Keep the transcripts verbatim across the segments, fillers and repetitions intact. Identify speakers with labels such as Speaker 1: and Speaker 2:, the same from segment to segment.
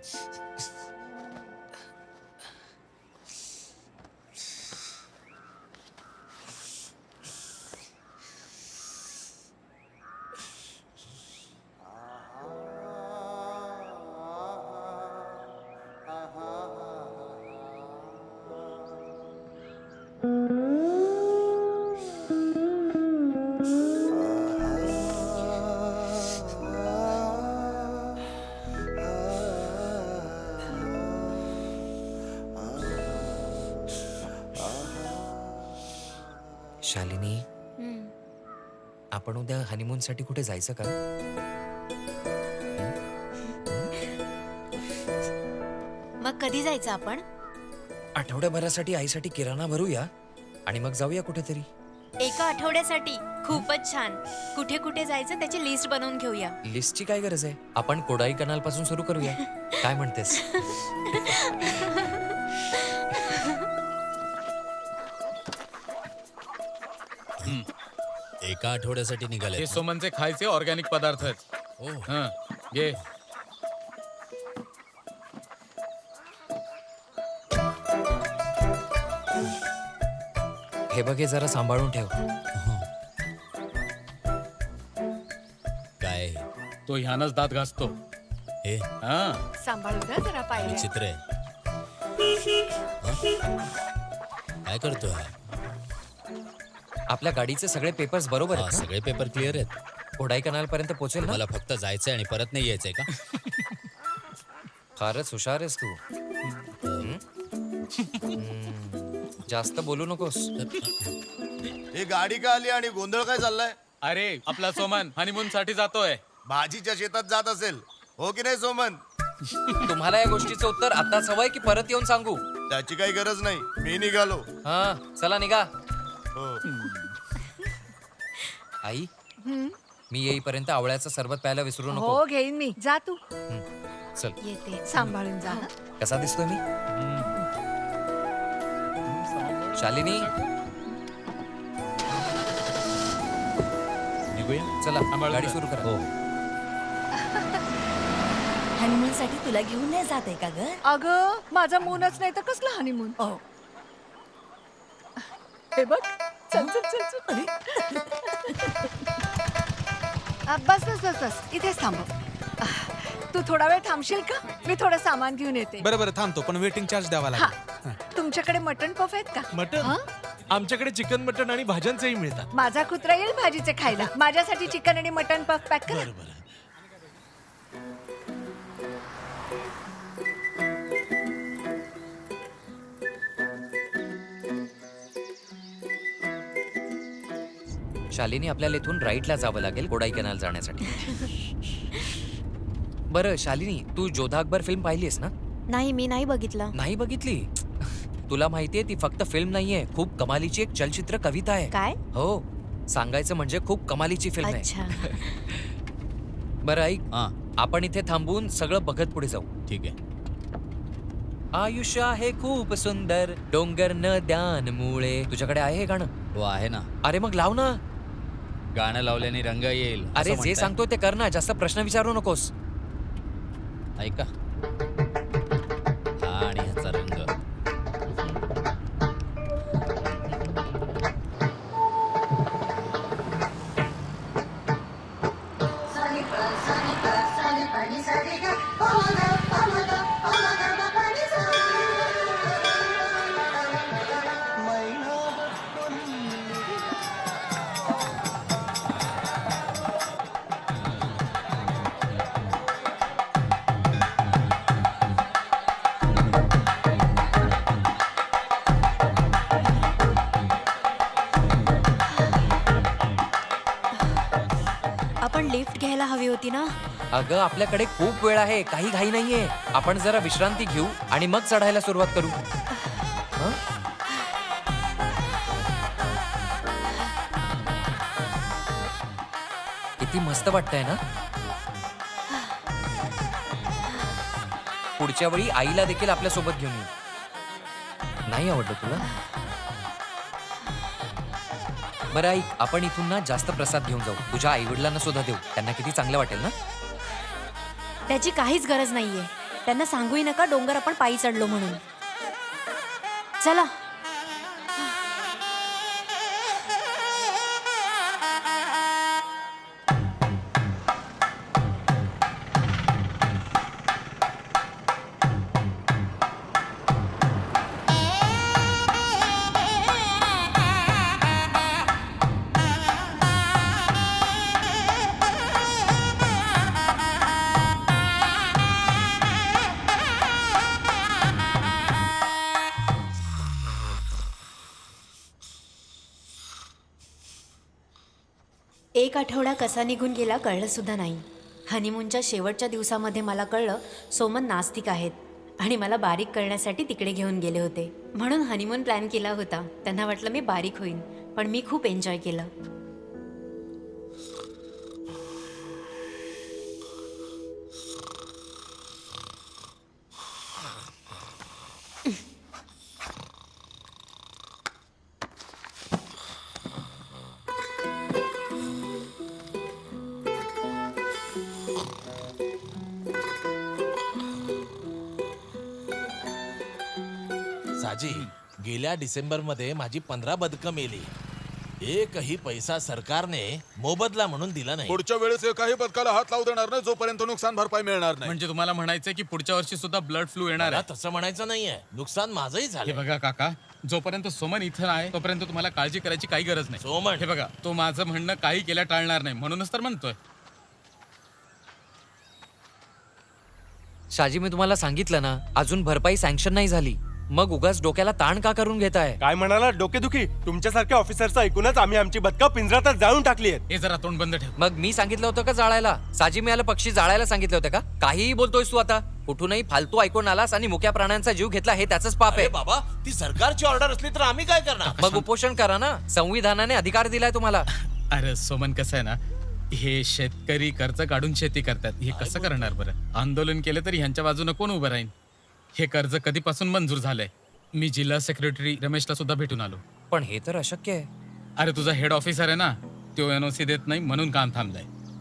Speaker 1: शालिनी, आपण उद्या हनीमून साठी कुठे जायचं का?
Speaker 2: मग कधी जायचं आपण?
Speaker 1: आठवड्याभरासाठी आईसाठी किराणा भरूया आणि मग जाऊया कुठेतरी.
Speaker 2: एका आठवड्यासाठी? खूपच छान. कुठे कुठे जायचं त्याची लिस्ट बनवून घेऊया.
Speaker 1: लिस्टची काय गरज आहे? आपण कोडाई कनाल पासून सुरू करूया. काय म्हणतेस?
Speaker 3: एका आठवड्यासाठी निघाले.
Speaker 4: हे सोमनचे खायचे ऑर्गॅनिक पदार्थ आहेत.
Speaker 3: ओ
Speaker 4: हं, घे.
Speaker 1: हे बघ, हे जरा सांभाळून ठेव.
Speaker 3: काय
Speaker 4: तो ह्यानच दात घासतो.
Speaker 3: हे
Speaker 4: हा,
Speaker 5: सांभाळू ना जरा पाहिजे.
Speaker 3: विचित्र आहे. हं? काय करतोय हा?
Speaker 1: आपल्या गाडीचे सगळे पेपर्स बरोबर
Speaker 3: हा,
Speaker 1: आहेत ना?
Speaker 3: सगळे पेपर क्लिअर आहेत.
Speaker 1: कोडाई कनाल पर्यंत पोहोचेल ना?
Speaker 3: मला फक्त जायचंय आणि परत नाही यायचंय का?
Speaker 1: फारच हुशार आहेस तू. हम्म? हम्म. जास्त बोलू नकोस.
Speaker 6: ही गाडी का आली आणि गोंधळ काय चाललाय?
Speaker 4: अरे आपला सोमन हनीमून साठी जातोय.
Speaker 6: भाजीच्या शेतात जात असेल, हो की नाही सोमन?
Speaker 1: तुम्हाला या गोष्टीचं उत्तर आताच हवंय की परत येऊन सांगू?
Speaker 6: त्याची काही गरज नाही, मी निघालो.
Speaker 1: हा, चला निघा.
Speaker 6: हो.
Speaker 1: आई, मी येईपर्यंत आवळ्याचं सरबत प्यायला विसरू नको.
Speaker 5: हो घेईन मी. जा तू
Speaker 1: हम्म. चल.
Speaker 2: येते.
Speaker 5: सांभाळून जा हं.
Speaker 1: कसा दिसतोय मी? शालिनी,
Speaker 3: निघूया.
Speaker 1: चला
Speaker 4: सांभाळून
Speaker 1: गाडी
Speaker 4: जा.
Speaker 1: सुरू करा.
Speaker 3: हो.
Speaker 7: हनीमून साठी तुला घेऊन नाही जात आहे का ग?
Speaker 5: अगं माझा मूनच नाही तर कसला हनीमून.
Speaker 7: ओ
Speaker 5: हे बघ, चल चल चल चल. आ, बस बस बस बस इथेच थांब. आ, तू थोडा वेळ थांबशील का? मी थोडं सामान घेऊन येते.
Speaker 8: बरं बरं थांबतो, पण वेटिंग चार्ज द्यावा
Speaker 5: हा,
Speaker 8: लागेल.
Speaker 5: तुमच्याकडे मटण पफ आहेत का?
Speaker 8: मटन
Speaker 5: हा?
Speaker 8: आमच्याकडे चिकन मटन आणि भाज्यांचंही मिळतात.
Speaker 5: माझा कुत्रा येईल भाजीचे खायला. माझ्यासाठी चिकन आणि मटण पफ पॅक करा.
Speaker 8: बरं बरं.
Speaker 1: शालिनी, आपल्याला इथून राईटला जावं लागेल कोडाई कनाल जाण्यासाठी. बरं शालिनी, तू जोधा अकबर फिल्म पाहिलीस ना?
Speaker 2: नाही, मी नाही बघितलं.
Speaker 1: नाही बघितली? तुला माहितीये ती फक्त फिल्म नाहीये, खूप कमालीची एक चलचित्र कविता आहे.
Speaker 2: काय?
Speaker 1: हो, सांगायचं म्हणजे खूप कमालीची फिल्म आहे.
Speaker 2: अच्छा.
Speaker 1: बरं ऐक,
Speaker 3: हा,
Speaker 1: आपण इथे थांबून सगळं बघत पुढे जाऊ.
Speaker 3: ठीक आहे.
Speaker 1: आयुष्य आहे खूप सुंदर, डोंगर नद्यांमुळे. तुझ्याकडे आहे हे गाणं?
Speaker 3: हो आहे ना.
Speaker 1: अरे मग लाव ना.
Speaker 3: गाणं लावल्याने रंग येईल असं
Speaker 1: अरे जे
Speaker 3: म्हणताय.
Speaker 1: सांगतोय ते कर ना, जास्त प्रश्न विचारू नकोस.
Speaker 3: ऐका. हा आणि ह्याचा रंग.
Speaker 2: आपण लिफ्ट घ्यायला हवी होती ना?
Speaker 1: अगं आपल्याकडे खूप वेळ आहे, काही घाई नाहीये. आपण जरा विश्रांती घेऊ आणि मग चढायला सुरुवात करू. हं? किती मस्त वाटतंय ना? पुढच्या वेळी आईला देखील आपल्या सोबत घेऊन येऊ. नाही आवडलं तुला? बरं ऐक, आपण इथून ना जास्त प्रसाद घेऊन जाऊ. तुझ्या आई वडिलांना सुद्धा देऊ, त्यांना किती चांगलं वाटेल ना.
Speaker 2: त्याची काहीच गरज नाहीये. त्यांना सांगूही नका डोंगर आपण पायी चढलो म्हणून. चला. एक आठवडा कसा निघून गेला कळलं सुद्धा नाही. हनीमूनच्या शेवटच्या दिवसामध्ये मला कळलं सोमन नास्तिक आहेत आणि मला बारीक करण्यासाठी तिकडे घेऊन गेले होते. म्हणून हनीमून प्लॅन केला होता. त्यांना वाटलं मी बारीक होईन, पण मी खूप एन्जॉय केलं.
Speaker 9: साजी, गेल्या डिसेंबर मध्ये माझी पंधरा बदकं मेली. एकही पैसा सरकारने मोबदला म्हणून दिला नाही.
Speaker 6: पुढच्या वेळेस एकाही पथकाला हात लावू देणार नाही जोपर्यंत नुकसान भरपाई मिळणार नाही.
Speaker 4: म्हणजे तुम्हाला म्हणायचंय की पुढच्या वर्षी सुद्धा ब्लड फ्लू येणार
Speaker 9: मला
Speaker 4: आहे.
Speaker 9: तसं म्हणायचं नाहीये, नुकसान माझंही
Speaker 4: हे
Speaker 9: झालं.
Speaker 4: बघा काका, जोपर्यंत सोमन इथं आहे तोपर्यंत तुम्हाला काळजी करायची काही गरज नाही.
Speaker 9: सोमन.
Speaker 4: हे बघा, तो माझं म्हणणं काही केल्या टाळणार नाही, म्हणूनच तर म्हणतोय.
Speaker 1: शाजी, मी तुम्हाला सांगितलं ना, अजून भरपाई सँक्शन नाही झाली. मग उगाच डोक्याला ताण का करून घेताय?
Speaker 8: काय म्हणाला डोकेदुखी? तुमच्यासारख्या ऑफिसरचं ऐकूनच आम्ही आमची बदका पिंजरातच जाळून टाकली आहेत.
Speaker 4: हे जरा तोंड बंद ठेव.
Speaker 1: मग मी सांगितलं होतं का जाळायला? साजी, मी याला पक्षी जाळायला सांगितलं होतं का? काहीही बोलतोयस तू आता. कुठूनही फालतू ऐकून आलास आणि मुक्या प्राण्यांचा जीव घेतला, हे त्याचंच पाप
Speaker 9: अरे
Speaker 1: आहे.
Speaker 9: बाबा, ती सरकारची ऑर्डर असली तर आम्ही काय करणार?
Speaker 1: मग उपोषण करा ना, संविधानाने अधिकार दिलाय तुम्हाला.
Speaker 4: अरे सोमन, कसं आहे ना, हे शेतकरी कर्ज काढून शेती करतात. हे कसं करणार बरं? आंदोलन केलं तरी ह्यांच्या बाजूने कोण उभं राहील? हे कर्ज कधीपासून मंजूर झालंय. मी जिल्हा सेक्रेटरी रमेशला सुद्धा भेटून आलो.
Speaker 1: पण हे तर अशक्य आहे.
Speaker 4: अरे तुझा हेड ऑफिसर आहे ना, तो एनओसी देत नाही म्हणून काम थांबलंय.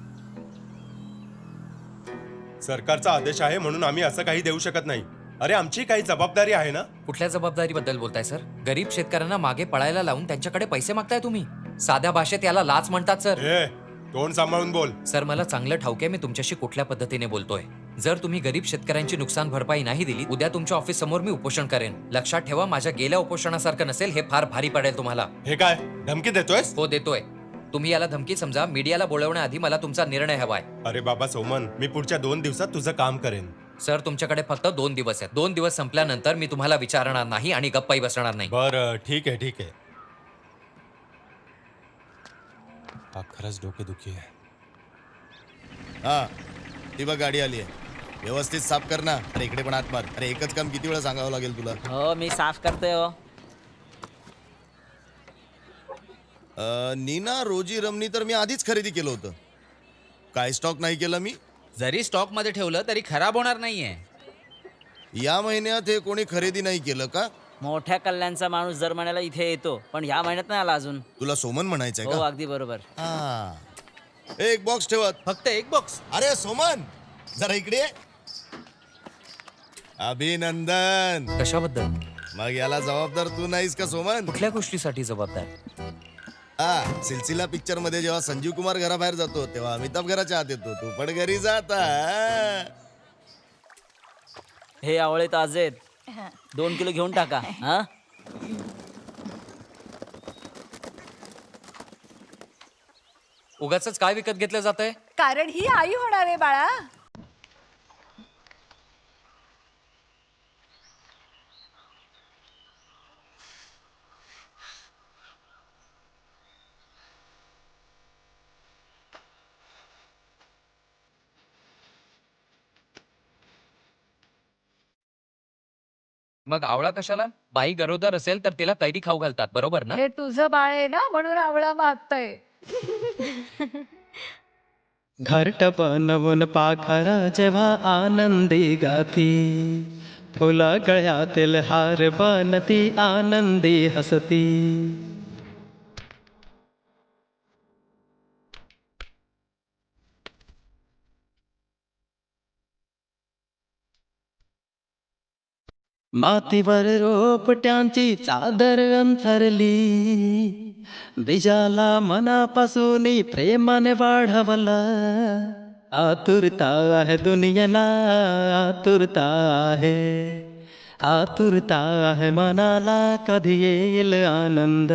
Speaker 8: सरकारचा आदेश आहे म्हणून आम्ही असं काही देऊ शकत नाही. अरे आमची काही जबाबदारी आहे ना.
Speaker 1: कुठल्या जबाबदारीबद्दल बोलताय सर? गरीब शेतकऱ्यांना मागे पळायला लावून त्यांच्याकडे पैसे मागताय तुम्ही. साध्या भाषेत याला लाच म्हणतात सर.
Speaker 8: ए, तोंड सांभाळून बोल.
Speaker 1: सर, मला चांगलं ठाऊक आहे मी तुमच्याशी कुठल्या पद्धतीने बोलतोय. जर तुम्ही गरीब शेतकऱ्यांची नुकसान भरपाई नाही दिली, उद्या तुमच्या ऑफिस समोर मी उपोषण करेन. लक्षात ठेवा, माझ्या गेल्या उपोषणासारखं नसेल. हे फार भारी पडेल तुम्हाला.
Speaker 8: हे काय धमकी देतोयस?
Speaker 1: हो, देतोय. तुम्ही याला धमकी समजा. मीडियाला बोलवण्याआधी मला तुमचा निर्णय हवाय.
Speaker 8: अरे बाबा सोमन, मी पुढच्या दोन दिवसात तुझं काम करेन.
Speaker 1: सर, तुमच्याकडे फक्त दोन दिवस आहेत. दोन दिवस संपल्यानंतर मी तुम्हाला विचारणार नाही आणि गप्पाही बसणार नाही.
Speaker 8: बरं, ठीक आहे ठीक आहे. हा खरंच डोकेदुखी आहे.
Speaker 6: हा, ती बघ गाडी आली आहे. व्यवस्थित साफ कर ना. अरे इकडे पण हात मार. अरे एकच काम किती वेळा सांगावं लागेल तुला?
Speaker 10: हो, मी साफ करतोय हो.
Speaker 6: अ, नीना रोजी रमणी तर मी आधीच खरेदी केलं होतं. काय स्टॉक नाही केला मी?
Speaker 3: जरी स्टॉक मध्ये ठेवलं तरी खराब होणार नाहीये.
Speaker 6: या महिन्यात हे कोणी खरेदी नाही केलं का?
Speaker 10: मोठ्या कल्याणचा माणूस दर महिन्याला इथे येतो, पण ह्या महिन्यात नाही आला अजून.
Speaker 6: तुला सोमन म्हणायचंय
Speaker 10: हो,
Speaker 6: का?
Speaker 10: अगदी बरोबर.
Speaker 6: हा, एक बॉक्स ठेवत.
Speaker 9: फक्त एक बॉक्स.
Speaker 6: अरे सोमन, जरा इकडे ये. अभिनंदन.
Speaker 1: कशाबद्दल?
Speaker 6: मग याला जबाबदार तू नाहीस का सोमन?
Speaker 1: कुठल्या गोष्टीसाठी जबाबदार?
Speaker 6: हा, सिलसिला पिक्चर मध्ये जेव्हा संजीव कुमार घराबाहेर जातो तेव्हा अमिताभ घराच्या आत येतो. तू पण घरी जाता.
Speaker 10: हे आवळे ताजे आहेत. दोन किलो घेऊन टाका. हा,
Speaker 1: उगाच काय विकत घेतलं जातंय?
Speaker 5: कारण ही आई होणार आहे बाळा.
Speaker 1: मग आवळा कशाला? बाई गरोदर असेल तर तिला कैरी खाऊ घालतात, बरोबर ना?
Speaker 5: हे तुझं बाळ आहे ना, म्हणून आवळा मागतय.
Speaker 11: घरटप नवून पाखरा जेव्हा आनंदी गाती, फुला गळ्यातील हार बनती आनंदी हसती. मातीवर रोपट्यांची चादर अंथरली, बीजाला मनापासून प्रेमाने वाढवलं. आतुरता आहे दुनियेला, आतुरता आहे, आतुरता आहे मनाला, कधी येईल आनंद.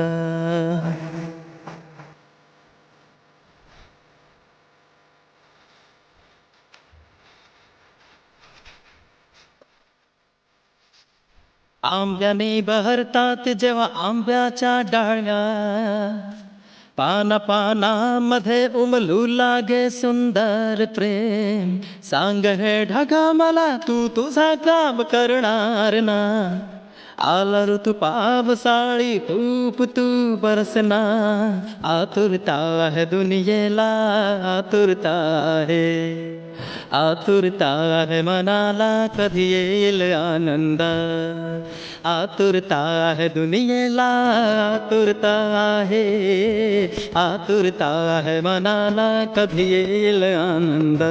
Speaker 11: आंब्याने बहरतात जेव्हा आंब्याच्या डाळ्या, पाना पानामध्ये उमलू लागे सुंदर प्रेम. सांग हे ढगा मला, तू तुझा काम करणार ना. आला ऋतू पावसाळी, खूप तू बरसना. आतुरता आहे दुनियेला, आतुरता आहे, आतुरता आहे मनाला, कधी येईल आनंद. आतुरता आहे दुनियेला, आतुरता आहे, आतुरता आहे मनाला, कधी येईल आनंद.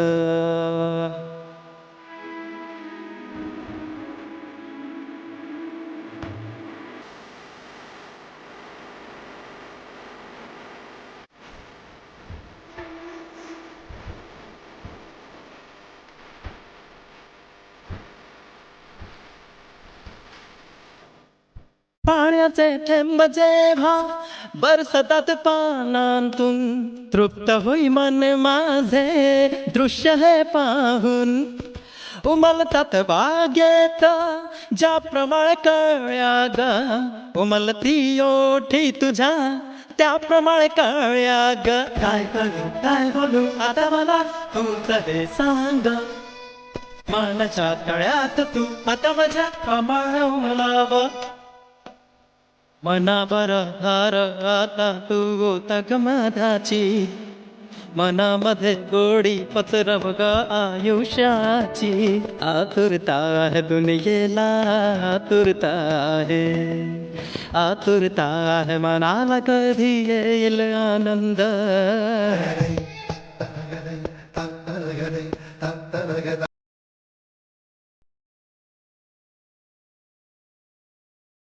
Speaker 11: पाण्याचे थेंब जेव्हा बरसतात पानांतून, तृप्त होई मन माझे दृश्य हे पाहून. उमलतात बागेत ज्याप्रमाणे कळ्या ग, उमलती ओठी तुझ्या त्याप्रमाणे कळ्या ग. काय करू काय बोलू आता मला तूच हे सांग. मनाच्या तळ्यात तू आता माझ्या कमाळ उमलाव. मनावर हार आता तू गोता मधाची, मनामध्ये गोडी पसरव ग आयुष्याची. आतुरता आहे दुनियेला, आतुरता आहे, आतुरता आहे मनाला, कधी येईल आनंद.